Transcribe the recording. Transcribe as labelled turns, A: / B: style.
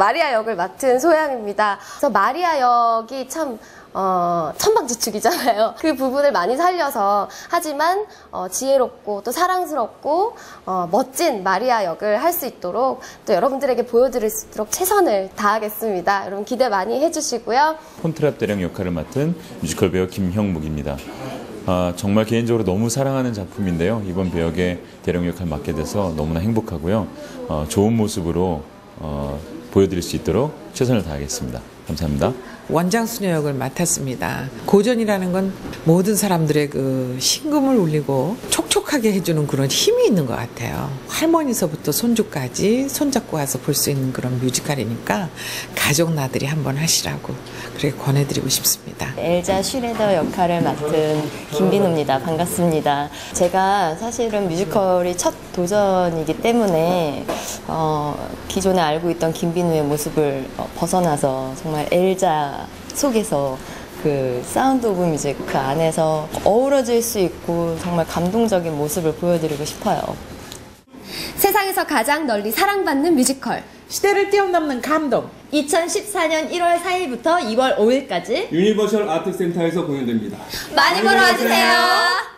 A: 마리아 역을 맡은 소양입니다. 그래서 마리아 역이 참 천방지축이잖아요. 그 부분을 많이 살려서 하지만 지혜롭고 또 사랑스럽고 멋진 마리아 역을 할 수 있도록 또 여러분들에게 보여드릴 수 있도록 최선을 다하겠습니다. 여러분 기대 많이 해주시고요. 폰트랍 대령 역할을 맡은 뮤지컬 배우 김형묵입니다. 정말 개인적으로 너무 사랑하는 작품인데요. 이번 배역의 대령 역할 맡게 돼서 너무나 행복하고요. 좋은 모습으로 보여드릴 수 있도록 최선을 다하겠습니다. 감사합니다.
B: 원장 수녀 역을 맡았습니다. 고전이라는 건 모든 사람들의 그 심금을 울리고 촉촉하게 해주는 그런 힘이 있는 것 같아요. 할머니서부터 손주까지 손잡고 와서 볼 수 있는 그런 뮤지컬이니까 가족 나들이 한번 하시라고 그렇게 권해드리고 싶습니다.
C: 엘자 슈레더 역할을 맡은 김빈우입니다. 반갑습니다. 제가 사실은 뮤지컬이 첫 도전이기 때문에 기존에 알고 있던 김빈우의 모습을 벗어나서 정말 엘자 속에서 그 사운드 오브 뮤직 그 안에서 어우러질 수 있고 정말 감동적인 모습을 보여드리고 싶어요.
D: 세상에서 가장 널리 사랑받는 뮤지컬
E: 시대를 뛰어넘는 감동
D: 2014년 1월 4일부터 2월 5일까지
F: 유니버셜 아트센터에서 공연됩니다.
D: 많이 보러 와주세요.